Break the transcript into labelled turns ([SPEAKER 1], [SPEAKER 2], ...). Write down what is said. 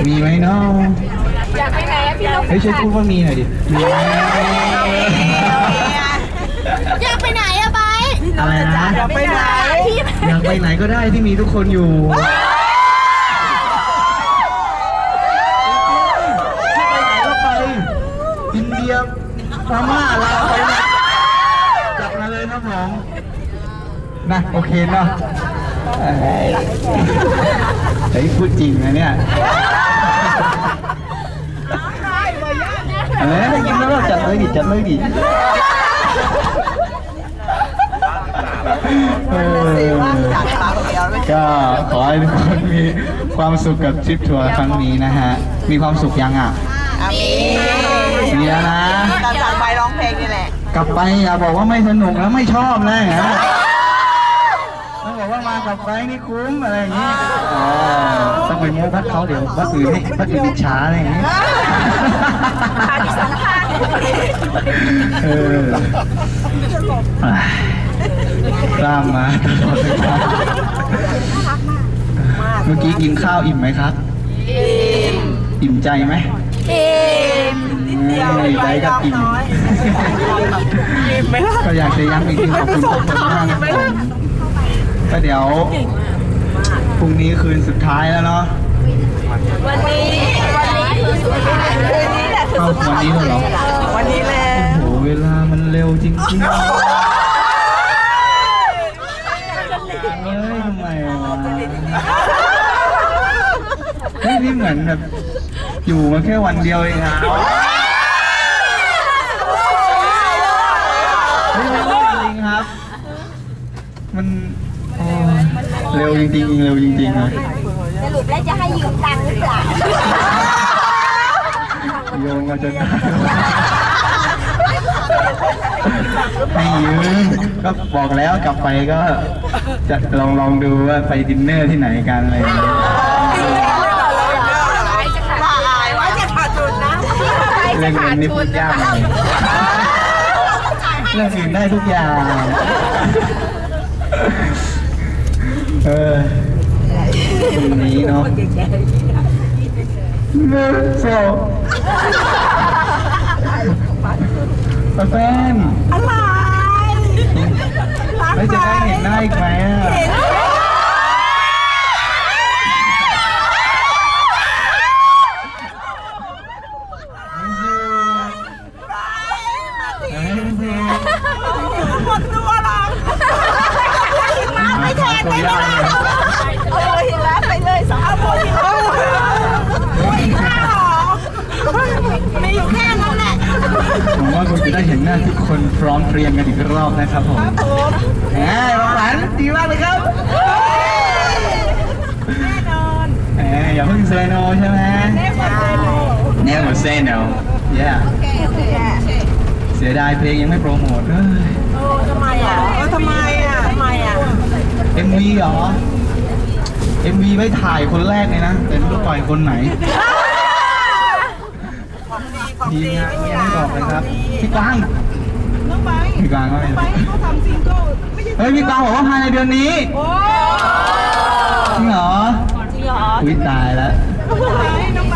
[SPEAKER 1] มีไหมเนาะ
[SPEAKER 2] อยากไปไหนอะพี่นก
[SPEAKER 1] เฮ้ยช่วยพูดว่ามีหน่อยดิมีไหม
[SPEAKER 2] อยากไปไหนอะไป
[SPEAKER 1] อะไรนะ
[SPEAKER 2] อยากไปไหน
[SPEAKER 1] อยากไปไหนก็ได้ที่มีทุกคนอยู่ไปไหนก็ไปอินเดียพม่าลาวไปจัดมาเลยครับผมนะโอเคเนาะเฮ้ยพูดจริงนะเนี่ยอะไรนะได้ยินแล้วจัดเลยดิจัดเลยดิก็ขอให้ทุกคนมีความสุขกับทริปทัวร์ครั้งนี้นะฮะมีความสุขยังอ่ะมีแล้วนะ
[SPEAKER 3] ตอนสั่งไปร้องเพลงนี่แหละ
[SPEAKER 1] กลับไปอย่าบอกว่าไม่สนุกแล้วไม่ชอบนะฮะต้องบอกว่ามากลับไปนี่คุ้มอะไรอย่างนี้ต้องไปโม้พัดเขาเดี๋ยวพัดอื่นให้พัดอื่นอิจฉาอะไรอย่างนี้กล้ามมาตลอดเลยครับเมื่อกี้กินข้าวอิ่มไหมครับอิ่มใจไหมใจก็อิ่มก็อยากจะย้ำอีกทีขอบคุณทุกคนมากนะครับก็เดี๋ยวพรุ่งนี้คืนสุดท้ายแล้วเนาะ
[SPEAKER 2] วันนี้คือสุดท้าย
[SPEAKER 3] คืนนี้แหละคือสุดท้าย
[SPEAKER 1] วันนี้เหรอ
[SPEAKER 3] วันนี้แล้ว
[SPEAKER 1] โอ้โหเวลามันเร็วจริงๆเฮ้ยทำไมวะเฮ้ยนี่เหมือนแบบอยู่มาแค่วันเดียวเองอะเฮ้ยมันจริงครับมันเร็วจริงๆเร็วจริงๆนะ
[SPEAKER 2] สรุปแล้วจะให้ยืมตังค์หรือเปล่า
[SPEAKER 1] โยงมาจนได้ให้ยืมก็บอกแล้วกลับไปก็จะลองดูว่าไปดินเนอร์ที่ไหนกันอะไรอย่างเงี้ย
[SPEAKER 3] ว่าจะขาดทุนนะ
[SPEAKER 1] เรื่องเงินนี่พูดยากเลยเรื่องอื่นได้ทุกอย่างตรงนี้เนาะโซ่แฟน
[SPEAKER 3] อะไร
[SPEAKER 1] ไม่จะได้เห็นหน้าอีกไหมอ่ะ
[SPEAKER 3] หมดตัวหรอกมาไม่แทนไม่ได้เห็นแล้วไปเลยสาวคนที่เขาไม่อยู่แค่นั้นแหละ
[SPEAKER 1] ผมว่าคุณจะได้เห็นหน้าทุกคนพร้อมเพรียงกันอีกรอบนะครับผมแหมหวานดีมากเลยครับ
[SPEAKER 3] แน่นอน
[SPEAKER 1] อย่าเพิ่งเซโนใช่ไหมNever say no yeah เสียดายเพลงยังไม่โปรโมทเลย
[SPEAKER 3] ทำไมอ่ะทำไมอ่ะ
[SPEAKER 1] MV เหรอ MV ไม่ถ่ายคนแรกเลยนะแต่ไม่รู้ปล่อยคนไหนทีมงานยังไม่บอกเลยครับพี่กวาง
[SPEAKER 3] น้องไป
[SPEAKER 1] พี่กวางก็ไม่
[SPEAKER 3] ไปเขาทำซิงเกิล
[SPEAKER 1] เฮ้ยพี่กวางบอกว่าภายในเดือนนี้จริงเหรออุ้ยตายแล้ว
[SPEAKER 3] น้องไป